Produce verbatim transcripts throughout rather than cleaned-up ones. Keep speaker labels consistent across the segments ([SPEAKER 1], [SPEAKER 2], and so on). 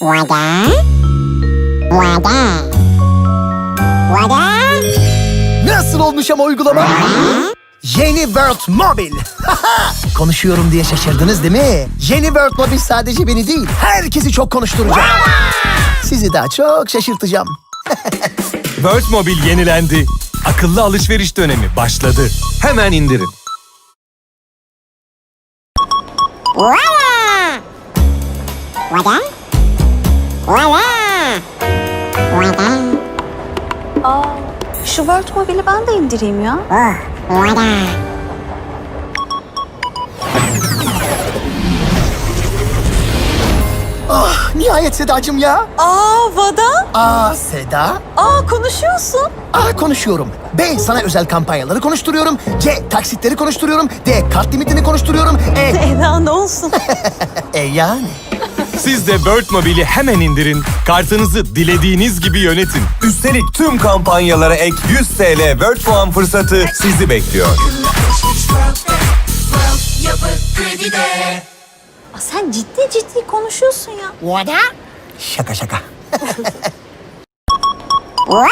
[SPEAKER 1] Vada. Vada. Vada.
[SPEAKER 2] Nasıl olmuş ama uygulama? Yeni World Mobile. Konuşuyorum diye şaşırdınız değil mi? Yeni World Mobile sadece beni değil, herkesi çok konuşturacak. Sizi daha çok şaşırtacağım.
[SPEAKER 3] World Mobile yenilendi. Akıllı alışveriş dönemi başladı. Hemen indirin.
[SPEAKER 1] Vada. Vada. Vada. Vada.
[SPEAKER 4] Aa, şu World Mobile'i ben de indireyim ya.
[SPEAKER 1] Oh. Vada.
[SPEAKER 2] Ah, nihayet Sedacığım ya.
[SPEAKER 4] Aa, Vada.
[SPEAKER 2] Aa Seda.
[SPEAKER 4] Aa, konuşuyorsun.
[SPEAKER 2] A. Konuşuyorum. B. Sana özel kampanyaları konuşturuyorum. C. Taksitleri konuşturuyorum. D. Kart limitini konuşturuyorum. E.
[SPEAKER 4] Eda ne olsun?
[SPEAKER 2] E yani.
[SPEAKER 3] Siz de World Mobile'i hemen indirin. Kartınızı dilediğiniz gibi yönetin.
[SPEAKER 5] Üstelik tüm kampanyalara ek yüz T L World puan fırsatı sizi bekliyor.
[SPEAKER 4] Aa, sen ciddi ciddi konuşuyorsun ya.
[SPEAKER 1] Vada.
[SPEAKER 2] Şaka şaka.
[SPEAKER 1] Vada.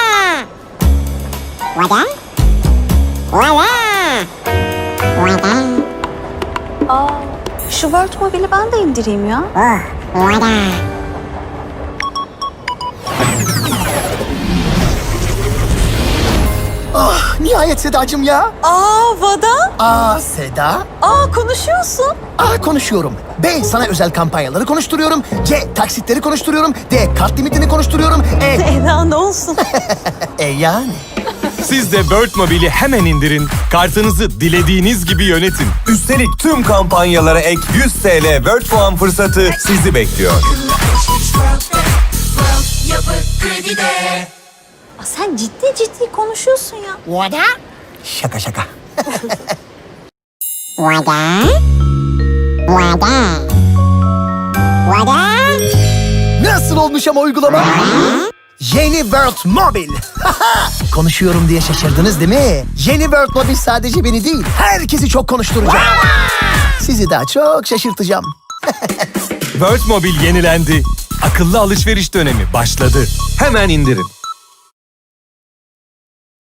[SPEAKER 1] Vada. Vada. Vada.
[SPEAKER 4] Aa, şu World Mobile'i ben de indireyim ya.
[SPEAKER 1] Oh. Vada.
[SPEAKER 2] Ah, nihayet Sedacığım ya.
[SPEAKER 4] Aa, Vada.
[SPEAKER 2] A. Seda.
[SPEAKER 4] Aa, konuşuyorsun.
[SPEAKER 2] A. Konuşuyorum. B. Sana özel kampanyaları konuşturuyorum. C. Taksitleri konuşturuyorum. D. Kart limitini konuşturuyorum. E.
[SPEAKER 4] Eda ne olsun?
[SPEAKER 2] E yani.
[SPEAKER 3] Siz de World Mobile'i hemen indirin. Kartınızı dilediğiniz gibi yönetin.
[SPEAKER 5] Üstelik tüm kampanyalara ek yüz T L World puan fırsatı sizi bekliyor.
[SPEAKER 4] Aa, sen ciddi ciddi konuşuyorsun ya.
[SPEAKER 1] Vada.
[SPEAKER 2] Şaka şaka.
[SPEAKER 1] Vada. Vada. Vada.
[SPEAKER 2] Nasıl olmuş ama uygulama? Yeni World Mobile. Konuşuyorum diye şaşırdınız değil mi? Yeni World Mobile sadece beni değil, herkesi çok konuşturacak. Sizi daha çok şaşırtacağım.
[SPEAKER 3] World Mobile yenilendi. Akıllı alışveriş dönemi başladı. Hemen indirin.